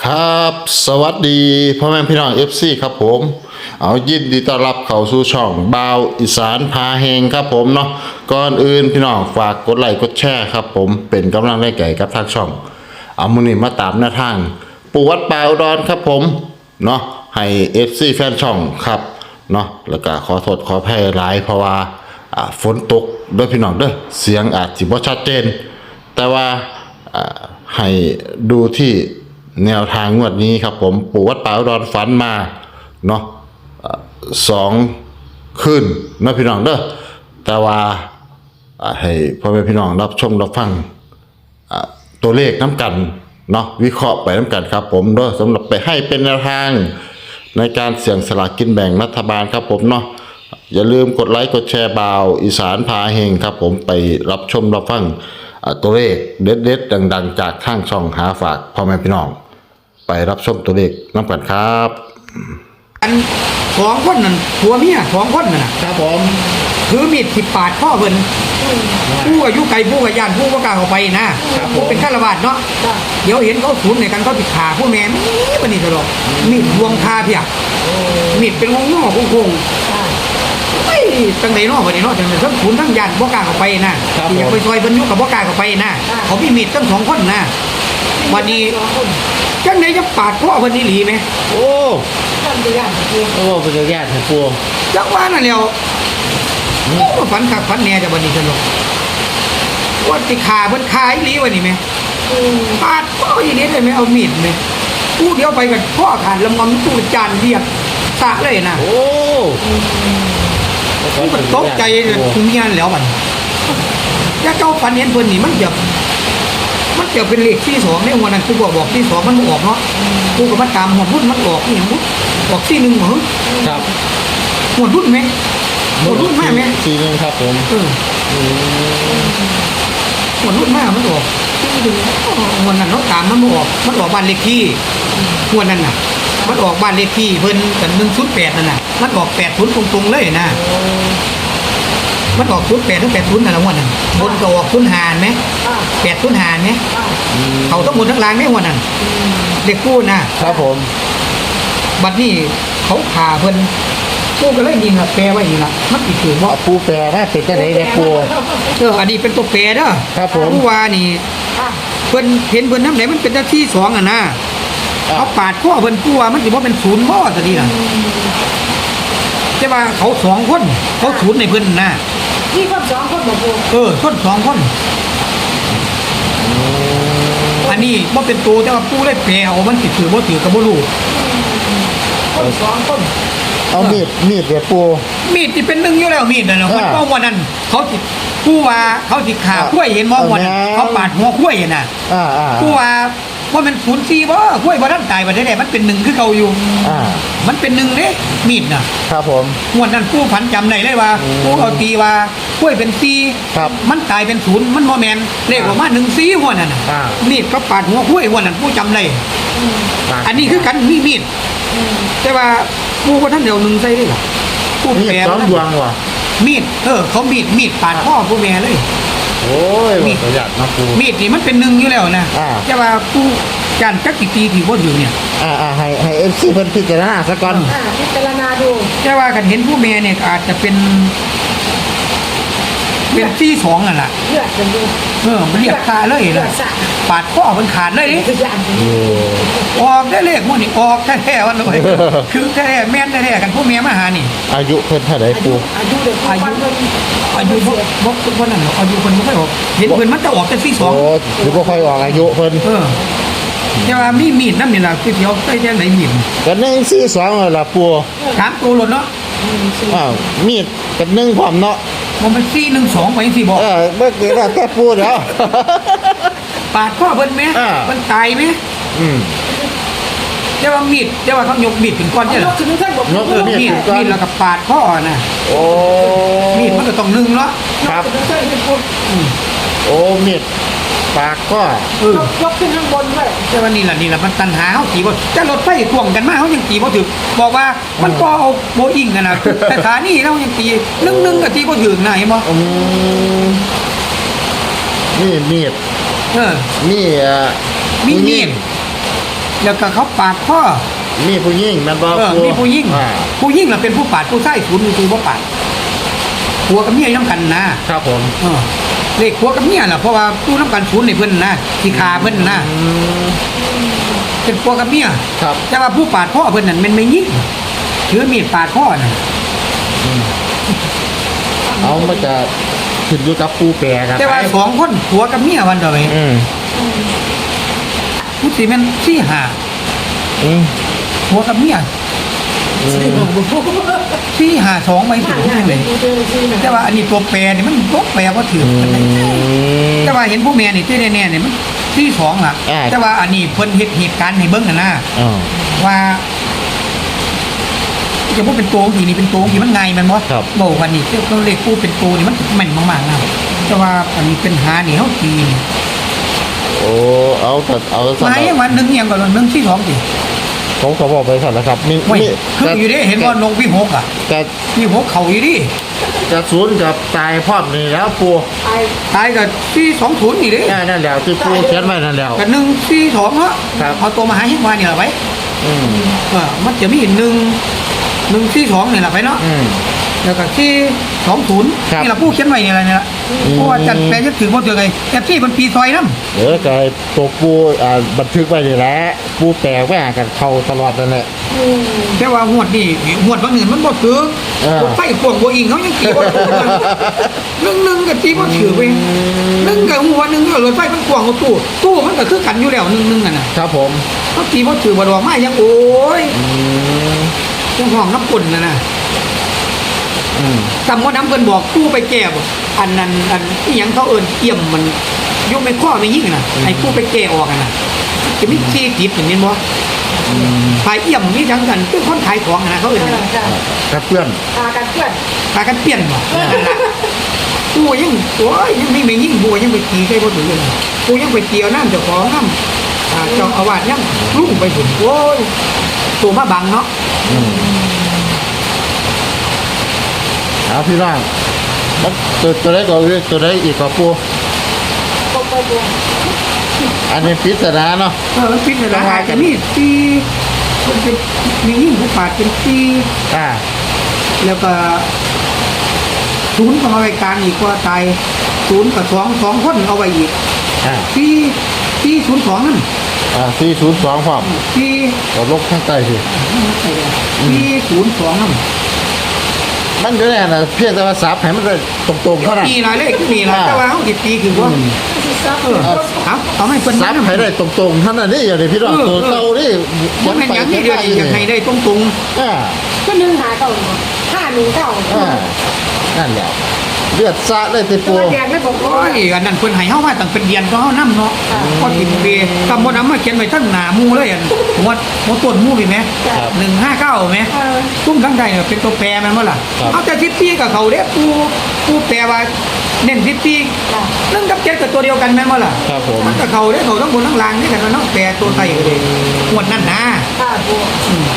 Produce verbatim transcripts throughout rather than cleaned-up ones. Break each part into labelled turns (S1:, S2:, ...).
S1: ครับสวัสดีพ่อแม่พี่น้อง เอฟ ซี ครับผมเอายินดีต้อนรับเข้าสู่ช่องบ่าวอีสานพาเฮงครับผมเนาะก่อนอื่นพี่น้องฝากกดไลค์กดแชร์ครับผมเป็นกำลังใจแก่กับทางช่องเอามื้อนี้มาตามหน้าทางปู่วัดป่าอุดรครับผมเนาะให้ เอฟ ซี แฟนช่องครับเนาะแล้วก็ขอโทษขออภัยหลายเพราะว่าอ่าฝนตกเด้อพี่น้องเด้อเสียงอาจสิบ่ชัดเจนแต่ว่าอ่าให้ดูที่แนวทางงวดนี้ครับผมปู่วัดป่าอุดรฝันมาเนาะสองคืนนะพี่น้องเด้อแต่ว่าให้พ่อแม่พี่น้องรับชมรับฟังตัวเลขน้ำกันเนาะวิเคราะห์ไปน้ำกันครับผมเด้อสำหรับไปให้เป็นแนวทางในการเสี่ยงสลากกินแบ่งรัฐบาลครับผมเนาะอย่าลืมกดไลค์กดแชร์บ่าวอีสานพาเฮงครับผมไปรับชมรับฟังตัวเลขเด็ดๆดังๆจากทางช่องหาฝากพ่อแม่พี่น้องไปรับชมตัวเลขน้ำกันครับ
S2: อันสองคนนั่นผัวเมียสองคนนั่นนะครับผมถือมีดที่ปาดพ่อเพิ่นผู้อายุไกลผู้กับญาติผู้ก็กล้าเข้าไปนะผู้เป็นฆราวาสเนาะเดี๋ยวเห็นเขาสูนในกันเขาติดขาผู้แม่มีบันนี้ตลอดมีดรวงคาเพียมีดเป็นวงงอคงคงไอ้ตั้งไหนเนาะวันนี้เนาะจังทั้งขุนทั้งญาติบ่กล้าเข้าไปนะที่อยากไปซอยเพิ่นอยู่กับบ่กล้าเข้าไปนะเขามีมีดทั้งสองคนนะวันนี้จังไหนจะปาดพ่อเพิ่นนี่หลีไหม
S3: โอ้ท่านเป็นญาติปูโอ้เป็นญาติปู
S2: จังว่านั่นแล้วโอ้ฝันขักฝันแน่จะวันนี้สนุกว่าติขาเพิ่นขายหลีวันนี้ไหมปาดพ่ออีนี้เลยไหมเอามีดไหมพูดเดียวไปกับพ่อขาดลำงอมตู้จานเรียบสะเลยนะ
S3: โอ้
S2: มันตกใจเลยทุกอย่างแล้วมันถ้าเจ้าฝันเห็นเพิ่นนี่มันจะมันจะเป็นเลขที่สองในวันนั้นกูบอกบอกที่สองมันออกเนาะกูกับมันตามหัวรุ่นมันออกนี่มุดออกที่หนึ่งเหรอ
S3: ครับ
S2: หัวรุ่นไหมหัวรุ่นมากไหม
S3: ที่หนึ่งครับผม
S2: เออหัวรุ่นมากมันออกที่หนึ่งวันนั้นเราตามมันออกมันออกบ้านเลขที่หัวนั้นน่ะมันออกบ้านเลขที่เพิ่นกันหนึ่งชุดแปดนั่นน่ะมันออกแปดชุดตรงๆเลยนะมันออกชุดแปดถึงแปดชุดนั่นแหละหัวนั้นบนก็ออกชุดหานไหมแปดชุดหานไหมเขาต้องหมดทั้งรางไม่หัวนั้นเด็กกู้นะครับ
S3: ผม
S2: บัดนี้เขาขาเพิ่นปูก็เลยยิงละแปลไว้นี่ละมันติดถือว่า
S3: ปูแปรนะเป็นจะไหนเนี่ยปู
S2: เอออันนี้เป็นตัวแปรเด้อ
S3: ครับผม
S2: ผู้ว่านี่เพิ่นเห็นเพิ่นน้ำไหนมันเป็นหน้าที่สองอ่ะนะเขาปาดข้อเพิ่นผู้ว่ามันสิว่าเป็นศูนย์บ่ซะดีน่ะใช่ป่ะเขาสองคนเขาศูนย์ในเพิ่นน่ะ
S4: ที่คนสองคนบ่ปู
S2: เออคนสองคนอันนี้บ่เป็นตัวแต่ว่าผู้เลยแปลเอามันติดถือบ่ถือก็บ่รู้
S4: คนสองคน
S3: เอามีดมีดเดี๋ยวปู
S2: มีดที่เป็นหนึ่งอยู่แล้วมีดนั่นมันก็วันนั้นเขาติผู้ว่าเขาติขาขั้วเห็นมองวันเขาปาดหัวขั้วเห็นน่ะผู้ว่าว่ามันศูนย์สี่บ่ขั้วบ่ทันตายบ่ได้แต่มันเป็นหนึ่งคือเก่าอยู่มันเป็นหนึ่งเด้มีดน่ะ
S3: ครับผม
S2: วันนั้นผู้ผันจำได้เลยว่าผู้เอาตีว่าขั้วเป็นสี่มันตายเป็นศูนย์มันโมแมนเลขออกมาหนึ่งสี่หัวนั่นน่ะมีดก็ปาดหัวขั้ววันนั้นผู้จำได้อันนี้คือกันมีมีดแต่ว่าผู้ว่าท่านเดียวหนึ่งใส่ได้หรอผู้แปร
S3: สองดวงว่ะ
S2: มีดเออเขามีดมีดปาดพ่อผู้แม่เลย
S3: โอ้ยมีดประหยัดนะปู
S2: มีดนี่มันเป็นหนึ่งอยู่แล้วนะแต่ว่าผู้จานจักกี่ปีที่ว่าอยู่เนี่ย
S3: อ่าอ่าให้ให้เอฟซีเพิ่นพิจารณาสักก่อน
S4: อ่าพิจารณาดู
S2: แต่ว่ากันเห็นผู้แม่เนี่ยอาจจะเป็นเป็นที่สองอ่ะล่ะ
S4: เลือดเป็นดู
S2: เออมันเรียกคาเลยล่ะปาดข้อมันขาดเลยดิออกได้เลขมันนี่ออกแท้ๆวันเลยคือแท้ๆแม่นแท้ๆกันผู้แม่มาหานี่
S3: อายุเพิ่นเท่าไหร่ปู
S4: อายุเด็ก
S2: อายุอายุบ่บ่บ่นั่นหรอกอายุเพิ่นบ่ค่อยออกเห็นเพิ่นมันจะออกแต่ที่สอง
S3: โอ้หรือบ่ค่อยออกอายุเพิ่น
S2: เออแต่ว่ามีมีดนำนี่ล่ะคือเดี๋ยวใส่แท้ไหนมีด
S3: กันหนึ่งสี่สองล่ะปู
S2: สามตัวหล่นเนาะ
S3: อ้าวมีดกันหนึ่งพร้อมเนาะ
S2: มันสี่หนึ่งสองไปสี่บอก
S3: เออเมื่อกี้เราแค่พูดแล้ว
S2: ปาดข้อเพิ่นไหมมันตายไหม
S3: อืม
S2: เจ้าว่ามีดเจ้าว่าเขายกมีดถึงก้อนใช่หรอยกมีดมีดแล้วก็ปาดข้อนะ
S3: โอ้
S2: มีดมันก็ต้องนึ่งเนาะ
S3: ครับโอ้มีดปากก็
S4: ยกขึ้นข้างบนด้วย
S2: เจ้าว่านี่แหละนี่แหละมันตันหาเขาตีว่าจะรถไฟท่วงกันมาเขายังตีว่าถึงบอกว่ามันก็เอาโบอิงกันนะแต่ขานี่เรายังตีนึ่งนึ่งกับตีว่าถึงนะเห็นไหม
S3: นี่มีด
S2: เออ
S3: นี่
S2: มีมีดแล้วก็เขาปาดพ่อ
S3: มีผู้หญิงแม่นบ่
S2: เออ
S3: ปู
S2: มีผู้ยิ่ง
S3: อ่า
S2: ผู้ยิ่งน่ะเป็นผู้ปาดผู้ใช้ศูนย์คือผู้ปาดผัวกับเมียน้ำกันนะครับ
S3: ผม
S2: เออเลขผัวกับเมียน่ะเพราะว่าผู้น้ำกันศูนย์ในเพิ่นนะที่ขาเพิ่นนะ
S3: อืม
S2: เป็นผัวกับเมีย
S3: ครับ
S2: แต่ว่าผู้ปาดพ่อเพิ่นนั่นมันไม่ยิ่งถือมีดปาดพ่อน่ะ
S3: เอามันจะขึ้นอยู่กับปูแปรกัน
S2: แต่ว่าสองคนผัวกับเมียวันเดียวเอง
S3: อืม
S2: ผู้สิแม่นสี่ห้า
S3: อืม
S2: ผัวกับเมียสี่ห้าสองไปถึงนี่เลยแต่ว่าอันนี้ตัวแปรนี่มันตัวแปรบ่ถือกันเลยแต่ว่าเห็นผู้แม่นี่ที่แน่ๆเนี่ยมันที่สองล่ะ แต่ว่าอันนี้เพิ่นเฮ็ดเหตุการณ์ให้เบิ่งน่ะนะ
S3: อ่า
S2: ว่าจะพูดเป็นตัวทีนี่เป็นตัวทีมันไงมันบ่
S3: ครับ
S2: บอกว่านี่เขาเรียกผู้เป็นตัวนี่มันแม่นมากๆนะแต่ว่าอันนี้เป็นหานี่เฮาตีนี่
S3: โอ้เอาแต่เอาแต่
S2: หาอย่างวันหนึงอย่างก่อนหนึงที่สองสิ
S3: ผมเขาบอกไปสั่นแล้วครับมี
S2: โอ้ย
S3: มี
S2: คืออยู่ดิเห็นว่าลงวิหกอ่ะ
S3: แต่
S2: วิหกเขาอยู่ดิ
S3: กระสุนกับตายพร้อมนี่แล้วปู
S4: ไอ้
S2: ตายกับที่สองศูนย์นี่ดิ
S3: นั่นนั่นแล้วที่ปูเขียนไว้นั่นแล้ว
S2: กับหนึ่งที่สองเนาะ
S3: ครับ
S2: เอาตัวมาหาให้มาเนี่ยละไว้
S3: อืม
S2: เออมันจะมีหนึ่งหนึ่งที่สองเนี่ยละไปเนาะ
S3: อืม
S2: แล้วก็ที่สองศูนย์
S3: ครับ
S2: นี่เราผู้เขียนไว้เนี่ยอะไรเนี่ยละเพราะว่าจัดแปลจะถือว่าเจอไงแอบที่มันปีซอยน้ำ
S3: เออไก่ตัวปูอ่าบันทึกไว้นี่แหละปูแปลไว้หากันเข้าตลอดนั่นแหละ
S2: แต่ว่าหวดนี่หวดบางเงินมันบ่ถือ
S3: เออ
S2: รถไฟขวงบ่อิงเขายังขี่บ่ถูกกันหนึ่งหนึ่งกับที่บ่ถือไปหนึ่งกับหัวหนึ่งกับรถไฟมันขวงกับตู้ตู้มันก็คือกันอยู่แล้วหนึ่งหนึ่งอ่ะนะครับ
S3: ผม
S2: เขาขี่บ่ถือบ่ดอกไม้ยังโอ้ย
S3: อืม
S2: ยังห้องน้ำปุ่นน่ะนะ
S3: อืม
S2: จำว่าน้ำเพิ่นบอกตู้ไปแก้บ่อันนั้นอันที่ยังเขาเอิ้นเอี่ยมมันยกไม่ข้อไม่ยิ่งน่ะไอ้ตู้ไปแก้ออกอ่ะนะจะมีที่ติดอย่างนี้บ่ขายเอี่ยมนี่จังกันคือคนขายของอะนะเขาเอิ้นน่ะ
S3: ครับเพื่อน
S4: พากันเพื่อน
S2: พากันเปลี่ยนบ่นั่นล่ะกูยังโอ้ยยังไม่ไม่ยิ่งกูยังไปตีใส่บ่ถึงเลยกูยังไปเตียวน้ำเจ้าของน้ำอ่าเจ้าอาวาสยังลุ่งไปถึงโอ้ยตัวมาบังเนาะ
S3: อืมเอาพี่น้องมันตัวตัวไหนก็คือตัวไหนอีกก็ปู
S4: ตกไปตัว
S3: อันนี้ปริศนาเนาะ
S2: เออมันปิดเลยนะอาจจะมีตีมันเป็นมียิ่งผู้ปาดเป็นตี
S3: อ่า
S2: แล้วก็ศูนย์ของเอาไว้กลางอีกว่าตายศูนย์กับสองสองคนเอาไว้อีก
S3: อ่า
S2: ตีตีศูนย์สองนั่น
S3: อ่าสี่ศูนย์สองพร้อม
S2: ตี
S3: ก็ลบข้างใต้สิ
S2: ตีศูนย์สองนั่น
S3: มันก็แน่นะเพียงแต่ว่าสับให้มันได้ตรงๆเท่านั้น
S2: ตีหลายเลขคือนี่ละแต่ว่าเขาติดตีคือว่า
S4: ซับ
S2: เออเอาเอาให้เป็น
S3: สับให้ได้ตรงๆเท่านั้นนี่อย่างนี้พี่น้องตัวเต่านี่
S2: มันเป็นอย่างนี้เดียวอยากให้ได้ตรงตรง
S3: อ่า
S4: ก็นึ่งหาเก่าห้าหนึ่งเก่า
S3: อ่านั่นแหละเลือดซะเลยติ
S4: ตั
S3: ปู
S4: วแดงไม่บอก
S2: โอ้ยอันนั้นเพิ่นให้เฮามาตั้งเป็นเดือนก็เฮานำเนาะก็ติดเบคำบ่นำมาเขียนไว้ทั้งหน้าหมู่เลยอันหัวหัวต้นหมู่นี่แหมหนึ่งห้าเก้าแหม
S4: เออ
S2: ตุ้มทั้งใดเนี่ยเป็นตัวแปรแมันบ่ล่ะเอาแต่สิบปีกับเขาเด้ปูปูแปรว่าเน้นสิบปีหนึ่งกับเจ็ดก็ตัวเดียวกันแม่นบ่ล่ะ
S3: ครับผม
S2: มันก็เขาเด้เขาทั้งบนทั้งล่างนี่กันเนาะแปรตัวไทยก็เลยหวดนั่นนะ
S4: ข้าบัว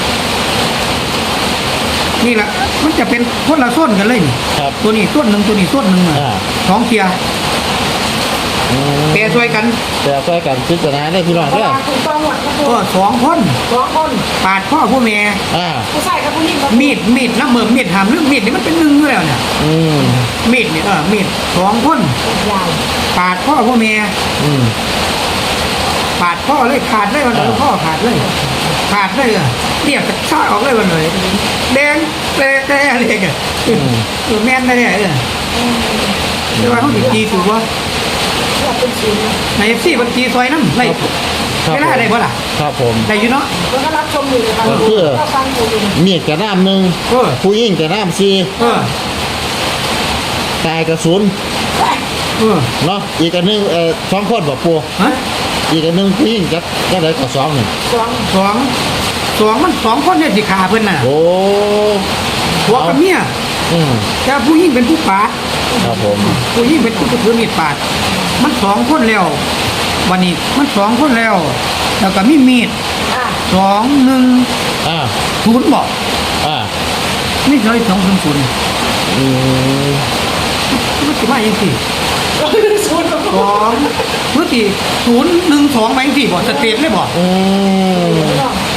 S2: นี่ล่ะมันจะเป็นคนละส้นกันเลยนี่
S3: ครับ
S2: ตัวนี้ส้นหนึ่งตัวนี้ส้นหนึ่งอะ
S3: อ่า
S2: สองเทียร์
S3: อืม
S2: แปรช่วยกัน
S3: แต่ใกล้กันพิจารณาได้พี่น้อง
S4: เพราะ
S3: เด้อ
S4: ว่าคุณต้องหมดนะ
S2: ก็สองคน
S4: สองคน
S2: ปาดพ่อผู้แม่
S3: อ่า
S4: ผู้ชายกับผู้หญิง
S2: มีดมีดน้ำเหมือมีดหามเรื่องมีดนี่มันเป็นหนึ่งอยู่แล้วเนี่ย
S3: อืม
S2: มีดเนี่ยเออมีดสองคน
S4: ยาว
S2: ปาดพ่อผู้แม่
S3: อืม
S2: ปาดพ่อเลยขาดเลยวันเลย
S3: อ่า
S2: พ่อขาดเลย ขาดเลยอะเรียกจะชาออกเลยวันเลยแดงแดงแดงอะไรกันตัวแม่นได้เนี่ยเออแต่ว่าเขาติดจีถูกว่า
S4: เพื่อเป็นศูนย์
S2: ในเอฟซีบัญชีซอยน้ำไร
S3: ครับ
S2: เวลาได้บ่ล่ะ
S3: ครับผม
S2: ได้อยู่เนาะ
S4: แล้วก็รับชมอยู่ในฟังก็ฟังอยู่
S3: มีดกระน้ำหนึ่ง
S2: เออ
S3: ผู้หญิงกระน้ำสี่
S2: เออ
S3: ตายกระสุน
S2: เออ
S3: เนาะอีกอันหนึ่งเอ่อสองคนบอกปู
S2: ฮะ
S3: อีกอันหนึ่งผู้หญิงจะจะได้กับสองหนึ่ง
S4: สอง
S2: สองสองมันสองคนเนี่ยสิขาเพิ่นน่ะ
S3: โอ้
S2: ผัวกับเมีย
S3: อืม
S2: แต่ผู้หญิงเป็นผู้ปาด
S3: ครับผม
S2: ผู้หญิงเป็นผู้ถือมีดปาด มันสองคนแล้ว วันนี้มันสองคนแล้ว แล้วก็มีมีด
S4: อ่ะ
S2: สองหนึ่ง
S3: อ่า
S2: ศูนย์บอก
S3: อ่า
S2: นี่เลยสองศูนย์ศูนย์
S3: อืม
S2: มันสิมาอย่างสี่
S4: ศูนย์
S2: สองเมื่อกี้ศูนย์หนึ่งสองไปอย่างสี่บอกสเตทเลยบอก
S3: อืม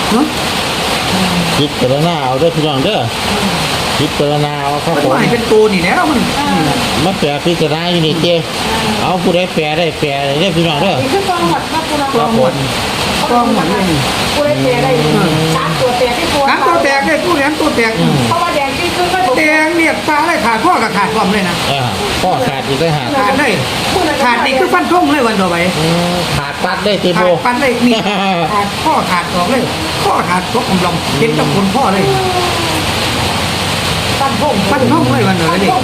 S2: เนาะ
S3: คิดพิจารณาเอาเด้อพี่น้องเด้อคิดพิจารณาเอาครับ
S2: มัน
S3: ผม
S2: ว่าให้เป็นตัวนี่แล้วมัน
S3: มาแปลพิจารณาอยู่นี่เจ้เอาผู้ใดแปลได้แปลได้เด้อพี่น้องเด้อ
S4: นี่คือกองหมดครับคุณ
S2: กองหมดกองหมดเลย
S4: กูได้เตะได้สามตัวเตะที่ตัว
S2: น้ำตัวแตกเลยตู้แหลมตัวแตก
S4: เพราะว่าแดงที่ขึ้นก็ถูก
S2: แดงเรียกปลาเลยขาดข้อกับขาดความเลยนะ
S3: อ่าข้อขาดอีกต่างหาก
S2: ขาดเลยขาดนี่คือฟันท่งเลยวันต่อไป
S3: อืมขาดปัดได้เต็ม
S2: ขา
S3: โบ
S2: ดฟันเลยมีขาดข้อขาดออกเลย ข้อขาดตกกำลังเห็นกับคนพ่อเลย
S4: ตั้งพง
S2: ฟันท่งเลยวันต่อไปนี่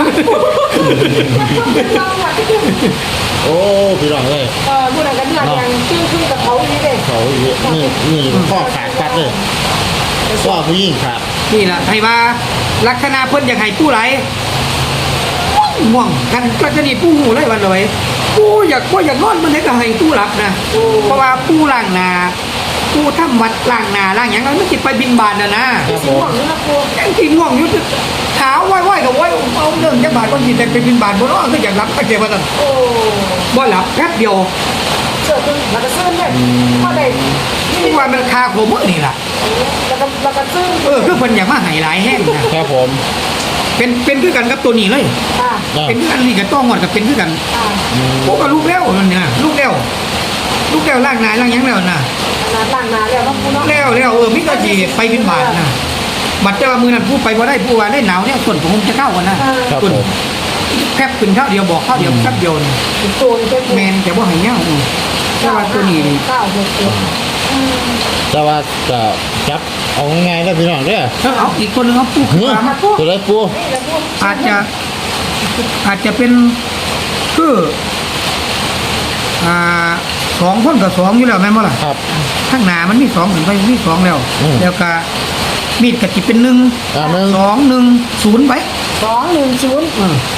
S3: โอ้พี่น้องเอ้ย
S4: เออผู้ใดกันเดือดยังขึ้นขึ้นกับเขาอีกเลย
S3: เขานี่นี่ข้อขาดปัดเลยข้อผู้หญิงขาด
S2: นี่แหละให้มาลักษณะเพิ่นอยากให้ผู้ไหลง่วงกันก็จะนี่ผู้หูเลยวันต่อไปผู้อยากผู้อยากนอนมันเลยก็ให้ผู้หลับนะเพราะว่าผู้ล่างนาผู้ทำวัดล่างนาล่างอย่างนั้นมันจิไปบินบานนะนะ
S3: ครับ
S4: สิ
S3: ผ
S4: ง
S3: ม
S4: หวังนี่นะครู
S2: ยังกินง่วงอยู่ขาวไหวๆกับไหวเอาเรื่องจักบาทก็กินแต่ไปบินบานบนน้องก็อยากรับก็เจ็บว่าซั่น
S4: โอ้
S2: บ่หลับแป๊บเดียว
S4: เสือตึงแล้วก็ซึ้งเลยพอได้
S2: นี่ว่ามันคาโคมื้อนี่ล่ะ
S4: แล้วก็แล้วก็ซึ้ง
S2: เออคือเพิ่นอยากมาให้หลายแห้งนะครับ
S3: ผม
S2: เป็นเป็นคือกันกับตัวนี้เลย
S4: อ่า
S3: อ่า
S2: เป็นคือกันนี่กับต้องหมดกับเป็นคือกัน
S4: อ่า
S2: พวกก็ลูกแล้วนั่นเนี่ยลูกแล้วลูกแล้วล่างนายล่างหยังแล้วน่ะ
S4: ขนาดล่างนาแล้วน้องครูเนาะ
S2: แล้วแล้วเออมิก็สิไปบินบาทน่ะบัดเจ้าว่ามือนั้นผู้ไปบ่ได้ผู้ว่าได้หนาวเนี่ยส่วนผมคงจะเข้ากันนะครับ ส่วน
S3: ผม
S2: แคบขึ้นเท่าเดียวบอกเท่าเดียวแคบเดียวนี่
S4: ตัวนี้เป็น
S2: แมนแต่ว่าให้เงาอืมแต่ว่าตัวนี้นี่
S4: เก้าหกเจ็ด
S3: แต่ว่าจะจับเอาง่ายๆแล้วพี่น้องเด้อ
S2: ถ้าเอาอีกตัวหนึงเอาปูขึ้น
S3: เฮ้ย
S2: มา
S3: ตัวไรปู
S4: นี่แล้วพวก
S2: อาจจะอาจจะเป็นคืออ่าสองคนกับสองอยู่แล้วแม่นบ่ล่ะ
S3: ครับ
S2: ข้างหน้ามันมีสองถึงไปมีสองแล้ว
S3: อืม
S2: แล้วก็มีดกะจิเป็นหนึ่ง
S3: อ่าหนึ่ง
S2: สองหนึ่งศูนย์ไป
S4: สองหนึ่งศูนย์
S2: เออ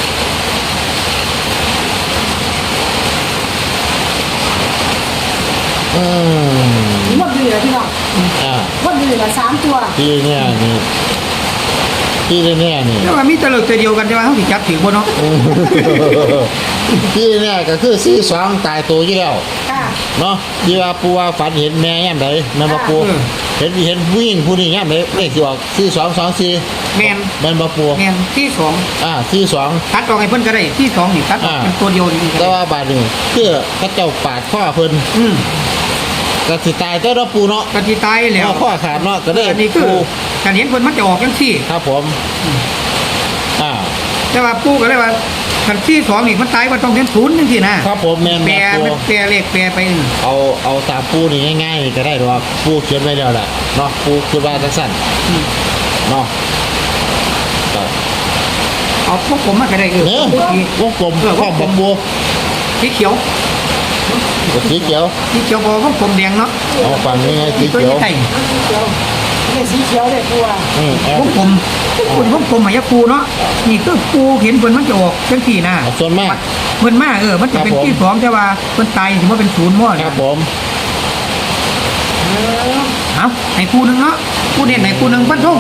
S3: อืม
S4: หมดเลยเหรอพี่น้อง
S3: อ่า
S4: หมดเลยเหรอสามตัว
S3: ที่เนี่ยนี่ที่เนี่ยนี่
S2: แต่ว่ามีแตะเลิกตัวเดียวกันแต่ว่าเขาสิจับถือบ่เนาะ
S3: ที่เนี่ยก็คือสี่สองตายตัวอยู่แล้ว
S4: ค่ะ
S3: เนาะที่ว่าปูว่าฝันเห็นแม่ย่ำใดแม่นบ่ปูเห็นเห็นวิ่งผู้นี้ย่ำใดเลขที่ออกสี่สองสองสี่
S2: แมน
S3: แม่นบ่ปู
S2: แมนที่สอง
S3: อ่าสี่สอง
S2: ตัดออกให้เพิ่นก็ได้ที่สองนี่ตัดออกเป็นตัวเดียวนี่ก็
S3: แต่
S2: ได้
S3: ว่าบาดนี้คือเขาเจ้าปาดข้อเพิ่น
S2: อืม
S3: ก็สิตายแต่เราะปูเนาะ
S2: กะสิตายแล้ว
S3: เอาข้อขาดเนาะก็ได้
S2: อันนี้คือ
S3: ปู
S2: การเห็นเพิ่นมันจะออกจังซี่
S3: ครับผมอ่า
S2: แต่ว่าปู่ก็เลยว่าคันที่สองนี่มันตายว่าต้องเป็นศูนย์จังซี่นะครับ
S3: ผมแม่น
S2: แปล
S3: แม่นปู
S2: มันแปลเลขแปลไปนี่
S3: เอาเอาตามปูนี่ง่ายๆนี่ก็ได้ดอกปูเขียนไว้แล้วแหละเนาะปูคือว่าจังซั่น
S2: อืม
S3: เนาะก็
S2: เอาพวกผมมาก็ได้เออ
S3: เนื้อ
S2: พูดที
S3: วงกลม
S2: เออ
S3: ข้อมบักบัว
S2: สีเขียว
S3: สีเขียว
S2: สีเขียวบอกว่าผมแดงเนาะ
S3: เอาฝั่งนี้ไงสี
S2: ตัว
S3: เขียว
S2: นี้ไก่
S4: สีเขียวนี่สีเขียวเลยครูอ่ะ
S3: อืมเอา
S2: พวกผมคุณพวกผมหมายปูเนาะนี่คือปูเห็นเพิ่นมันจะออกจังซี่นะ
S3: เอาส่วนมาก
S2: เพิ่นมาเออมันจะเป็น
S3: ครับผม
S2: ที่สองแต่ว่าเพิ่นตายถือว่าเป็นศูนย์หม้อ
S3: ครับผม
S2: เอาให้ปูหนึงเนาะปูเนี่ยไหนปูหนึงพันทุ่ง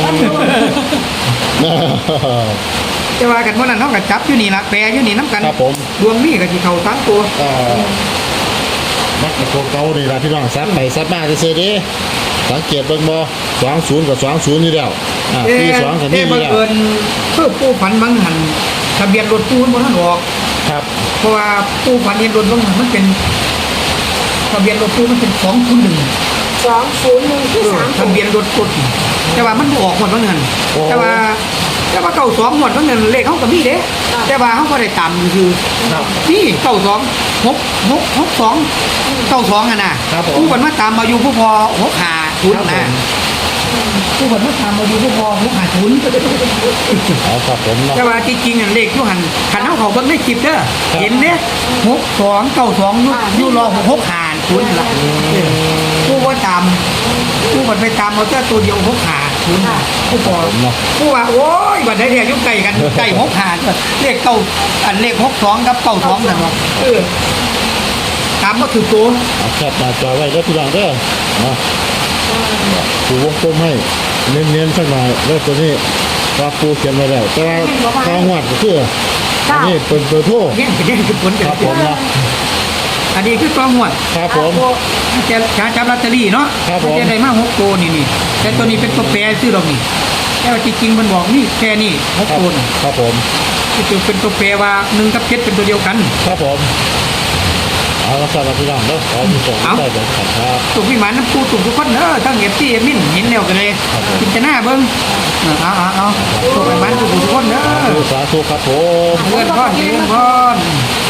S2: แต่ว่ากันว่านั้นเนาะก็จับอยู่นี่ล่ะแปรอยู่นี่น้ำกัน
S3: ครับผม
S2: ดวงนี้ก็สิเข้าสามตัว
S3: เอ่อมักกับตัวเก่านี่ล่ะพี่น้องซัดไปซัดมาซื่อๆเดิสังเกตเบิ่งบ่สองศูนย์กับสองศูนย์อยู่แล้วอ่า
S2: เอ๊ะ
S3: สี่สองกับ
S2: เอ๊ะ
S3: นี่อ
S2: บั
S3: ยู่
S2: ง
S3: แล้ว
S2: เอิญเพื่อปูฝันบางหันทะเบียนรถปูมันบ่ทันออก
S3: ครับ
S2: เพราะว่าปูฝันเห็นรถบางหันมันเป็นทะเบียนรถปูมันเป็นสองศูนย์หนึ่ง
S4: สองศูนย์หนึ่งที่สาม
S2: ทะเบียนรถกดแต่ว่ามันบ่ออกหมดว่าเงินแต่ว่าแต่ว่าเก้าสองหมดว่าเงินเลขเขาก็มีเด้แต่ว่าเขาก็ได้ตามคือ
S3: ครับ
S2: นี่เก้าสองหกหกหกสองเก้าสองอ่ะนะครับ
S3: ผม
S2: ผู้คนมาตามมาอยู่ผู้พอหกหาทุน
S3: ครับผ
S2: นะ
S3: ม
S2: ผู้คนมาตามมาอยู่ผู้พอหกหาทุน
S3: เอาครับผมเนาะ
S2: แต่ว่าจริงๆอ่ะเลขอยู่หันขันเอาเขาเบิ่งได้คลิปเด้อ
S3: ครับ
S2: เห็นเด้หกสองเก้าสองอยู่อยู่รอหกหาทุนละผู้ว่าตามผู้คนไปตามเอาแต่ตัวเดียวหกหาทุนผู้พอ
S3: ผมเนาะ
S2: ผู้ว่าโอ้ยบัดได้เนี่ยยุ่งไก่กันไก่หกหาเลขเก้าอันเลขหกสองกับเก้าสองนั่นเนาะเออตามก็คือตัว
S3: เอาแคปหน้าจอไว้เด้อพี่น้องเด้อเนาะปูวงกลมให้เน้นๆสักหน่อยเด้อตัวนี้ว่าปูเขียนไว้แล้วแต่ว่าข้างวัดก็คืออันนี้เป็นเบอร์โทร
S2: เนี่ยเป็นเนี่ยคือผล
S3: ค
S2: กัน
S3: รับผมเนาะ
S2: อันนี้คือตัวหมวด
S3: ครับผม
S2: จะจะจับลอตเตอรี่เนาะ
S3: ครับผม
S2: จะได้มาหกตัวนี่นี่แต่ตัวนี้เป็นตัวแปรซื้อดอกนี่แต่ว่าจริงๆมันบอกนี่แค่นี้หก
S3: ครับ
S2: ตัวนี่
S3: ครับผม
S2: ที่ตัวเป็นตัวแปรว่าหนึ่งกับเจ็ดเป็นตัวเดียวกัน
S3: ครับผมเอาละครับพี่น้องเด้อขอมีส่ง
S2: เอา
S3: ได้เลยครับ
S2: ตุกพี่หมันน้ำปูตุกทุกคนเด้อทั้งเอฟซีเอมินเห็นแล้วกันเลย
S3: ครับผม
S2: กินจะหน้าเบิ้งเอาเอาเอาตุกพี่หมันตุกทุกคนเด้อ
S3: สาธุครับผม
S2: เพื่อนพ่อเพื่อนพ่อ